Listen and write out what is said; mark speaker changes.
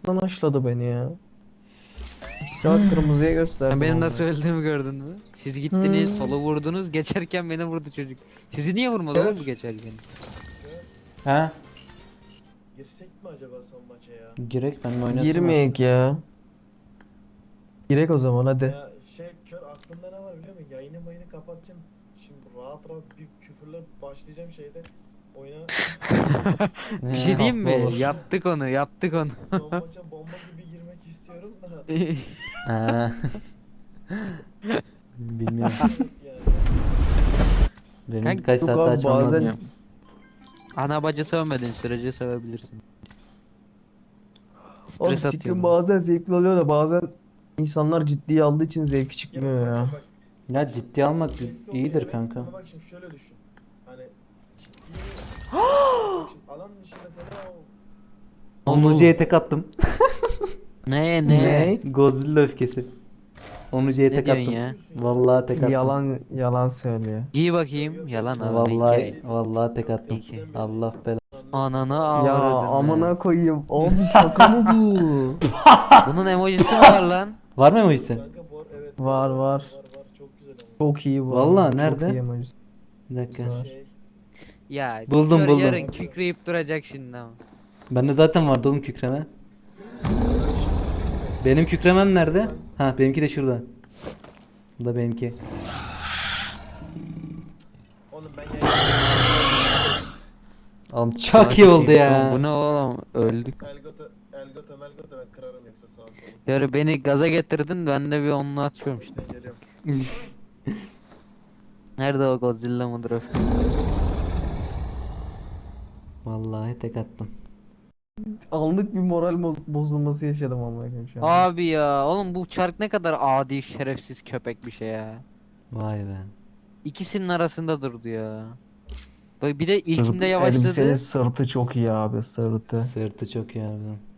Speaker 1: arkasından açladı beni ya. Saat kırmızıya gösterdi.
Speaker 2: Benim
Speaker 1: vallahi.
Speaker 2: nasıl öldüğümü gördün mü? Siz gittiniz,
Speaker 1: Hmm.
Speaker 2: solo vurdunuz, geçerken beni vurdu çocuk. Sizi niye vurmadı oğlum bu geçerken?
Speaker 3: Ha?
Speaker 4: Girsek mi acaba son maça ya?
Speaker 3: Girek ben oynasın.
Speaker 1: Girmeyek ya. Girek o zaman hadi.
Speaker 4: Ya kör aklımda ne var biliyor musun? Yayını mayını kapatacağım. Şimdi rahat rahat bir küfürler başlayacağım şeyde. Oyuna
Speaker 2: Bir şey diyeyim mi?
Speaker 1: Haklı olur.
Speaker 2: Yaptık onu, yaptık onu.
Speaker 4: son maça bomba gibi girmek istiyorum da.
Speaker 3: Ha. Bilmiyorum.
Speaker 4: Yani.
Speaker 3: Benim
Speaker 2: Kanka,
Speaker 3: birkaç
Speaker 1: yok
Speaker 3: saatte
Speaker 1: abi,
Speaker 3: açmam
Speaker 1: bazen-
Speaker 3: lazım.
Speaker 2: Ana bacı sövmediğin sürece sevebilirsin.
Speaker 1: Oğlum
Speaker 2: Stres
Speaker 1: fikrim
Speaker 2: atıyor.
Speaker 1: bazen zevkli oluyor da bazen insanlar ciddiye aldığı için zevki çıkmıyor ya.
Speaker 4: Bak,
Speaker 3: Ya ciddi almak
Speaker 4: zevkli
Speaker 3: iyidir
Speaker 4: oluyor,
Speaker 3: kanka.
Speaker 4: Ama bak şimdi şöyle düşün. Hani ciddi. Bak şimdi alan dışı mesela o
Speaker 3: Onucu'ya tek attım.
Speaker 2: Ne?
Speaker 3: Godzilla öfkesi. Onucu'ya
Speaker 2: Ne
Speaker 3: tek
Speaker 2: diyorsun
Speaker 3: attım.
Speaker 2: ya?
Speaker 3: Vallahi tek attım.
Speaker 1: Yalan söylüyor.
Speaker 2: Giy bakayım. Yalan abi.
Speaker 3: Vallahi tek attım.
Speaker 2: İki.
Speaker 3: Allah belanı.
Speaker 2: Ananı
Speaker 1: Ya
Speaker 2: avradını.
Speaker 1: amına koyayım. Abi şaka mı bu?
Speaker 2: Bunun emojisi mi var lan?
Speaker 3: Var mı emojisi?
Speaker 4: kanka bu evet
Speaker 1: Var, var.
Speaker 4: var çok güzel ama.
Speaker 1: Çok iyi bu.
Speaker 3: Vallahi
Speaker 1: arada,
Speaker 3: nerede?
Speaker 1: Çok iyi emoji.
Speaker 3: Bir dakika.
Speaker 1: Var.
Speaker 2: Ya
Speaker 3: Buldum,
Speaker 2: kör
Speaker 3: buldum.
Speaker 2: yarın kükreyip duracak şimdi ama.
Speaker 3: Bende zaten vardı oğlum kükreme. Benim kükremem nerede? Ha benimki de şurada. Bu da benimki.
Speaker 4: Oğlum ben
Speaker 3: Oğlum çok iyi oldu ya.
Speaker 2: Bu ne oğlum? Öldük.
Speaker 4: Elgota ben kırarım yoksa sağa sola.
Speaker 2: Yani beni gaza getirdin, ben de bir onunla atıyorum işte.
Speaker 4: Ben geliyorum.
Speaker 2: Nerede o Godzilla mıdır o?
Speaker 3: Vallahi tek attım.
Speaker 1: Anlık bir moral bozulması yaşadım amına koyayım şu an.
Speaker 2: Abi ya oğlum bu çark ne kadar adi şerefsiz köpek bir şey ya.
Speaker 3: Vay be.
Speaker 2: İkisinin arasında durdu ya. Bak bir de
Speaker 1: Sırt-
Speaker 2: ilkinde
Speaker 1: Elbisenin
Speaker 2: yavaşladı.
Speaker 1: sırtı çok iyi abi sırtı.
Speaker 3: Sırtı çok iyi harbiden.